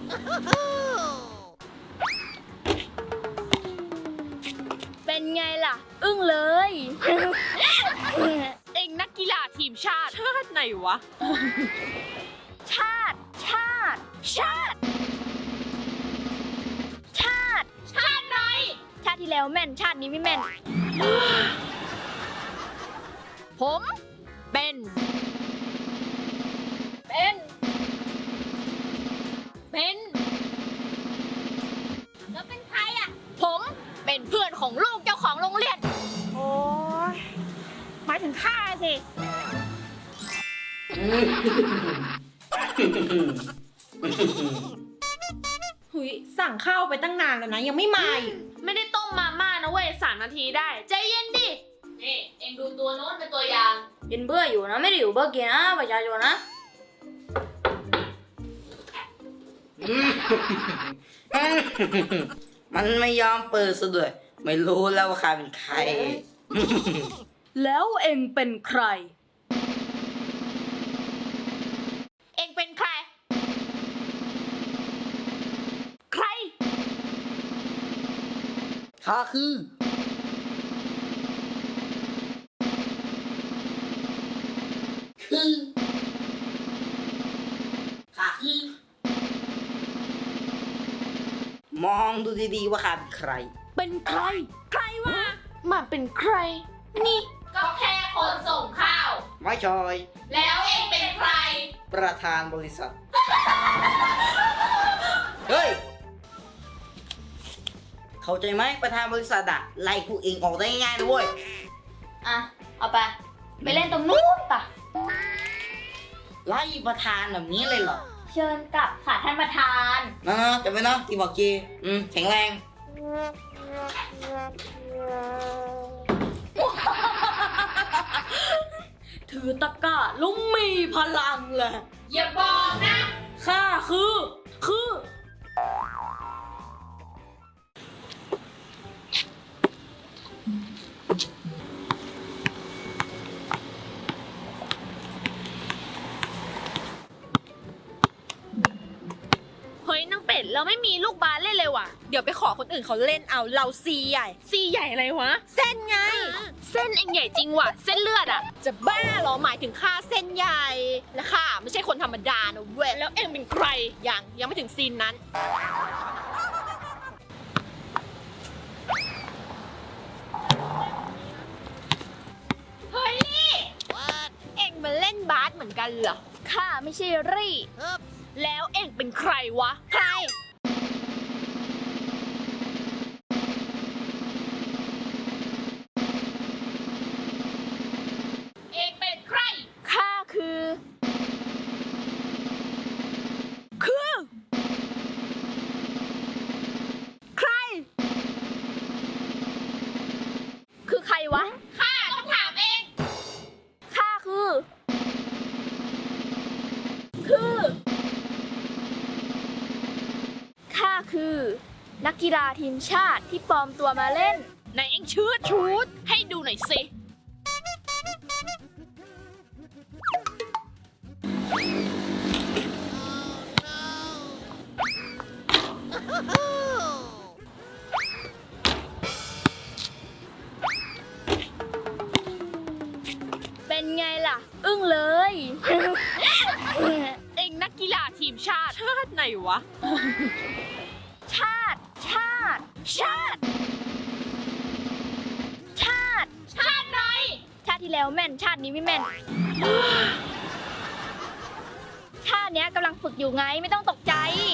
เป็นไงล่ะ อึ้งเลยเองนักกีฬาทีมชาติไหนวะชาติ ชาติ ชาติ ชาติชาติไหนชาติที่แล้วแม่น ชาตินี้ไม่แม่นผมเป็นเป็นแล้วเป็นใครอ่ะ ผมเป็นเพื่อนของลูกเจ้าของโรงเรียนโอ้ยหมายถึงข้าสิหุยสั่งข้าวไปตั้งนานแล้วนะยังไม่มาอีกไม่ได้ต้มมาม่านะเว้ย3 นาทีได้ ใจเย็นดิ นี่เองดูตัวโน้นเป็นตัวอย่างกินเบื่ออยู่นะ ไม่ได้อยู่เบื่อกินนะประชาชนนะมันไม่ยอมเปิดซะด้วย ไม่รู้แล้วว่าใครเป็นใครแล้วเองเป็นใครเองเป็นใคร ใครข้าคือ ข้าคือ มองดูดีๆว่าข้าเป็นใครเป็นใครใครวะมาเป็นใคร นี่ก็แค่คนส่งข้าวไม่ชอยแล้วเองเป็นใครประธานบริษัท เฮ้ย เข้าใจไหมประธานบริษัทอะไล่พวกเองออกได้ง่ายๆนะเว้ยอ่ะ เอาไป ไปเล่นตรงนู้นป่ะไล่ประธานแบบนี้เลยเหรอเชิญกลับค่ะท่านประธานนะจำไว้นะที่บอกเจแข็งแรงถือตะกร้าลุงมีพลังเลยอย่าบอกนะข้าคือเฮ้ยนางเป็ดเราไม่มีลูกบาสเล่นเลยว่ะเดี๋ยวไปขอคนอื่นเขาเล่นเอาเราซีใหญ่ซีใหญ่อะไรวะเส้นไงเส้นเองใหญ่จริงว่ะ เส้นเลือดอ่ะจะบ้าเหรอหมายถึงค่าเส้นใหญ่และค่ะ ไม่ใช่คนธรรมดานะเว้ยแล้วเองเป็นใครยังไม่ถึงซีนนั้นเฮ้ยนี่เองมาเล่นบาสเหมือนกันเหรอข้าไม่ใช่รี่แล้วเองเป็นใครวะ ใคร เองเป็นใครข้าคือ ใคร คือใครวะข้าต้องถามเองข้าคือ ข้าคือ นักกีฬาทีมชาติที่ปลอมตัวมาเล่นไหนเองชื่อชุด ให้ดูหน่อยสิเป็นไงล่ะ อึ้งเลยเองนักกีฬาทีมชาติไหนวะชาติ ชาติ ชาติ ชาติชาติไหนชาติที่แล้วแม่น ชาตินี้ไม่แม่น ชาติเนี้ยกำลังฝึกอยู่ไงไม่ต้องตกใจ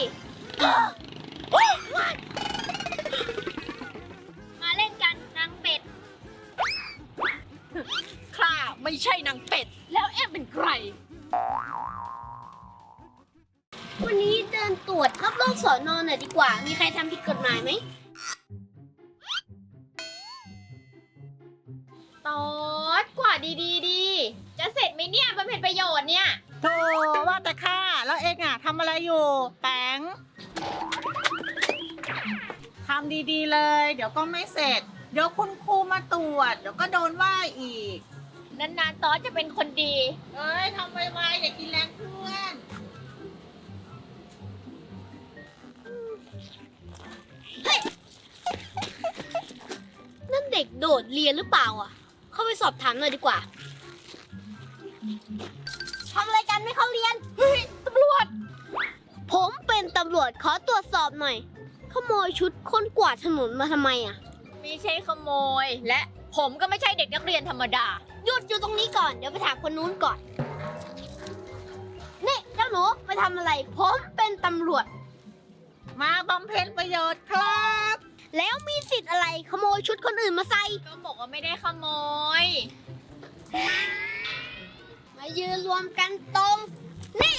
มาเล่นกันนางเป็ดข้าไม่ใช่นางเป็ดแล้วเองเป็นใครวันนี้เดินตรวจรอบๆสอนอนหน่อยดีกว่า มีใครทำผิดกฎหมายไหมตอดกว่าดี จะเสร็จไหมเนี่ยบำเพ็ญประโยชน์เนี่ยโธ่ว่าแต่ข้าแล้วเอ็งอะทำอะไรอยู่แปงทำดีๆเลย เดี๋ยวก็ไม่เสร็จ เดี๋ยวคุณครูมาตรวจ เดี๋ยวก็โดนว่าอีกนานๆตอดจะเป็นคนดีเอ้ยทำไวๆอย่ากินแรงเพื่อนโดดเรียนหรือเปล่าอ่ะ เข้าไปสอบถามหน่อยดีกว่าทำอะไรกันไม่เข้าเรียน เฮ้ยตำรวจ ผมเป็นตำรวจขอตรวจสอบหน่อย ขโมยชุดคนกวาดถนนมาทำไมอ่ะไม่ใช่ขโมย และผมก็ไม่ใช่เด็กนักเรียนธรรมดาหยุดอยู่ตรงนี้ก่อน เดี๋ยวไปถามคนนู้นก่อน นี่เจ้าหนูมาทำอะไร ผมเป็นตำรวจมาบำเพ็ญประโยชน์ครับแล้วมีสิทธิ์อะไรขโมยชุดคนอื่นมาใส่ก็บอกว่าไม่ได้ขโมยมายืนรวมกันตรง นี่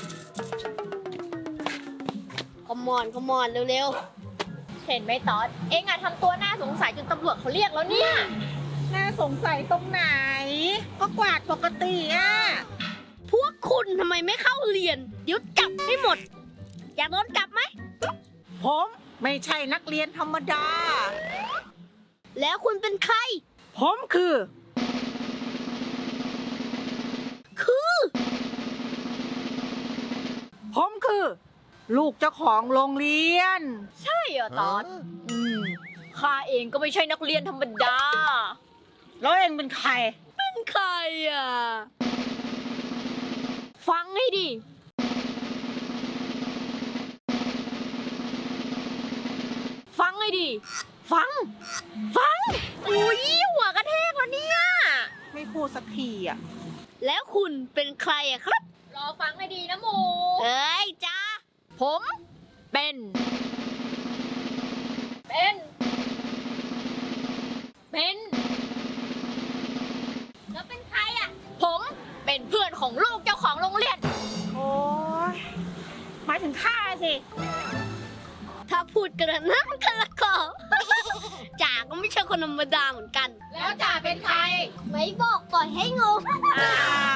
ขมอนเร็วเห็นไหมตอด เอ็งอะทำตัวน่าสงสัยจนตำรวจเขาเรียกแล้วเนี่ยน่าสงสัยตรงไหน ก็กวาดปกติอ่ะๆ พวกคุณทำไมไม่เข้าเรียน เดี๋ยวจับให้หมด อยากโดนจับไหมผมไม่ใช่นักเรียนธรรมดาแล้วคุณเป็นใครผมคือ ผมคือ ลูกเจ้าของโรงเรียนใช่เหรอตอดข้าเองก็ไม่ใช่นักเรียนธรรมดาแล้วเองเป็นใครเป็นใครอ่ะ ฟังให้ดี ฟังให้ดี ฟัง อุ้ยหัวกระแทกแล้วเนี่ยไม่พูดสักทีอ่ะแล้วคุณเป็นใครอะครับรอฟังให้ดีนะหมูเอ้ยจ้าผมเป็นแล้วเป็นใครอะผมเป็นเพื่อนของลูกเจ้าของโรงเรียนโอ้ยหมายถึงข้าสิถ้าพูดกันนะกันละก็ จ่าก็ไม่ใช่คนธรรมดาเหมือนกันแล้วจ่าเป็นใครไม่บอกปล่อยให้งงอ้าว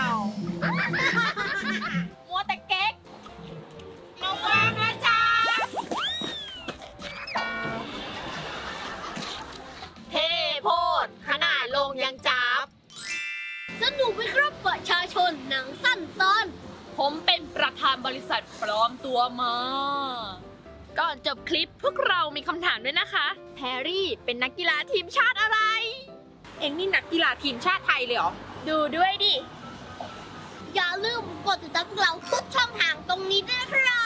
มัวแต่เก๊กระวังนะจ๊ะเทโพดขนาดลงยังจับสนุกไหมครับประชาชนหนังสั้นตอนผมเป็นประธานบริษัทปลอมตัวมา ก่อนจบคลิปพวกเรามีคำถามด้วยนะคะ แพรรี่เป็นนักกีฬาทีมชาติอะไรเองนี่นักกีฬาทีมชาติไทยเลยเหรอดูด้วยดิอย่าลืมกดติดตามพวกเราทุกช่องทางตรงนี้ด้วยนะครับ